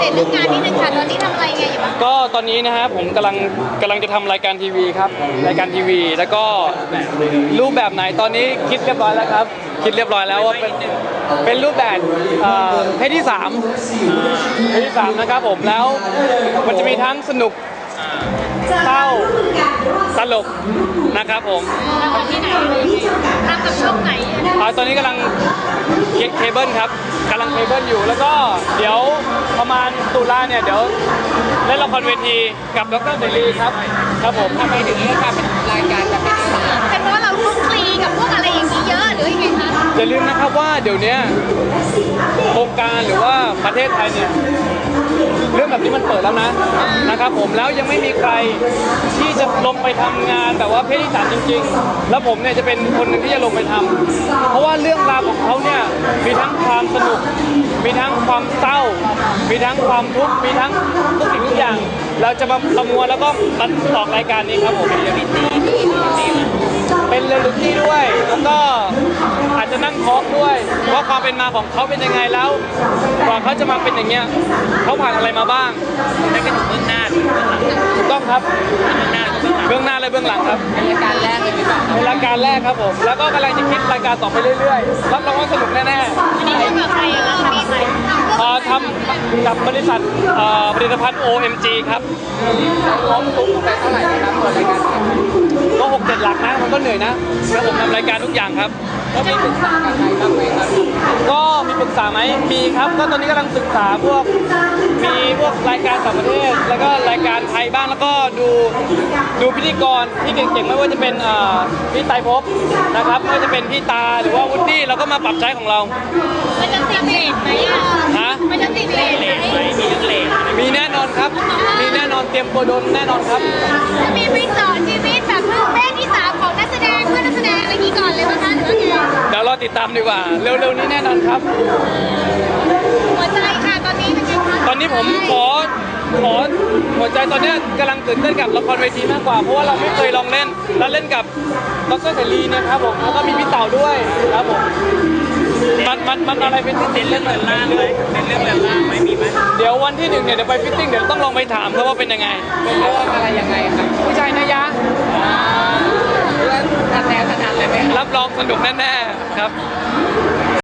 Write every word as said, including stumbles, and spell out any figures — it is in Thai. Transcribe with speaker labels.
Speaker 1: ตเรื่องงานนิดนึงค่ะตอนนี้ทำอะไรไงอยู่บ้าง
Speaker 2: ก็ตอนนี้นะฮะผมกำลังกำลังจะทำรายการทีวีครับรายการทีวีแล้วก็รูปแบบไหนตอนนี้คิดเรียบร้อยแล้วครับคิดเรียบร้อยแล้วว่าเป็นเป็นรูปแบบเพศที่สามเพศที่สามนะครับผมแล้วมันจะมีทั้งสนุกเศร้าตลกนะครับผม
Speaker 1: ทำที่ไหนทำกับช่องไหน
Speaker 2: ตอนนี้กำลังเคเบิลครับกำลังเคเบิลอยู่แล้วก็เดี๋ยวประมาณตุลาเนี่ยเดี๋ยวเล่นละครเวทีกับดรเสรีครับครับผม
Speaker 3: ทำไมถึงเลือกการเป็นรายการแบบนี้
Speaker 1: เป็นเพราะเราคลุกคลีกับพวกอะไรอย่างนี้เยอะหรือยังไงคะ
Speaker 2: อย่าลืมนะครับว่าเดี๋ยวนี้โครงการหรือว่าประเทศไทยเนี่ยเรื่องแบบนี้มันเปิดแล้วนะนะครับผมแล้วยังไม่มีใครที่จะลงไปทำงานแบบว่าเพศที่สามจริงๆแล้วผมเนี่ยจะเป็นคนหนึ่งที่จะลงไปทำเพราะว่าเรื่องราวของเขาเนี่ยมีทั้งความสนุกมีทั้งความเศร้ามีทั้งความทุกข์มีทั้งทุกสิ่งทุกอย่างเราจะมาประมวลแล้วก็มาออกรายการนี้ครับผมเป็นเรียลลิตี้เป็นเรียลลิตี้ด้วยแล้วก็อาจจะนั่งทอล์กด้วยว่าความเป็นมาของเขาเป็นยังไงแล้วกว่าเขาจะมาเป็นอย่างเงี้ยเขาผ่านอะไรมาบ้างได้กันถึงเบื้องหน้าถูกต้องครับเบื้องหน้าและเบื้องหลังครับ
Speaker 3: เป็นรายการแรกเลยไหมครับ
Speaker 2: เป็นรายการแรกครับผมแล้วก็กำลังจะคิดรายการต่อไปเรื่อยๆรับรองว่าสนุกแน่ๆ
Speaker 1: นี่ทำกับใครแล้วทำกับใคร
Speaker 2: ทำกับบริษัทผลิตภัณฑ์ โอ เอ็ม จี ครับ
Speaker 3: ล้อมตุ้มไปเท่าไหร่นะครับตัวรายการ
Speaker 2: ก็หกเจ็ดหลักนะมันก็เหนื่อยนะแล้วผมทำรายการทุกอย่างครับ
Speaker 3: ก็มีปรึกษากับใครบ้างไหมครับ
Speaker 2: ก็มีปรึกษาไหมมีครับก็ตอนนี้กำลังศึกษาพวกมีพวกรายการต่างประเทศแล้วก็รายการไทยบ้างแล้วก็ดูดูพิธีกรที่เก่งๆไม่ว่าจะเป็นพี่ไตรภพนะครับไม่ว่าจะเป็นพี่ตาหรือว่าวุฒิเราก็มาปรับใช้ของเรา
Speaker 1: มันจะติดเลทไหมอ่ะ
Speaker 2: ฮะ
Speaker 1: มันจะติดเลทไหม
Speaker 2: มีทั้งเลทมีแน่นอนครับมีแน่นอนเตรียมตัวโดนแน่นอนครับ
Speaker 1: จะมีไปสอนชีวิตแบบเพศที่สามของนักแสดงเพื่อนนักแสดงอะไรนี้ก่อนเลยไหมคะหรือว่าไง
Speaker 2: เดี๋ยวรอติดตามดีกว่าเร็วๆนี้แน่นอนครับ
Speaker 1: หัวใจค่ะตอนนี้เป็นไงคะ
Speaker 2: ตอนนี้ผมขอขอหัวใจตอนนี้กำลังตื่นเต้นกับละครเวทีมากกว่าเพราะว่าเราไม่เคยลองเล่นแล้วเล่นกับดรเสรีเนี่ยครับผมแล้วก็มีพี่เต่าด้วยครับผมมันมันมันอะไรเป็นเต้นเรื่องเรือนล่างเลยเป็นเรื่องเรือนล่างไหมมีไหมเดี๋ยววันที่หนึ่งเนี่ยเดี๋ยวไปฟิตติ้งเดี๋ยวต้องลองไปถามเขาว่าเป็นยังไง
Speaker 3: เป็นเรื่องอะไรยังไงครับ
Speaker 2: ผู้ชายนะยะ
Speaker 3: เรื่องการแสดงขนาดเลยไหม
Speaker 2: รับรองสนุกแน่ๆครับ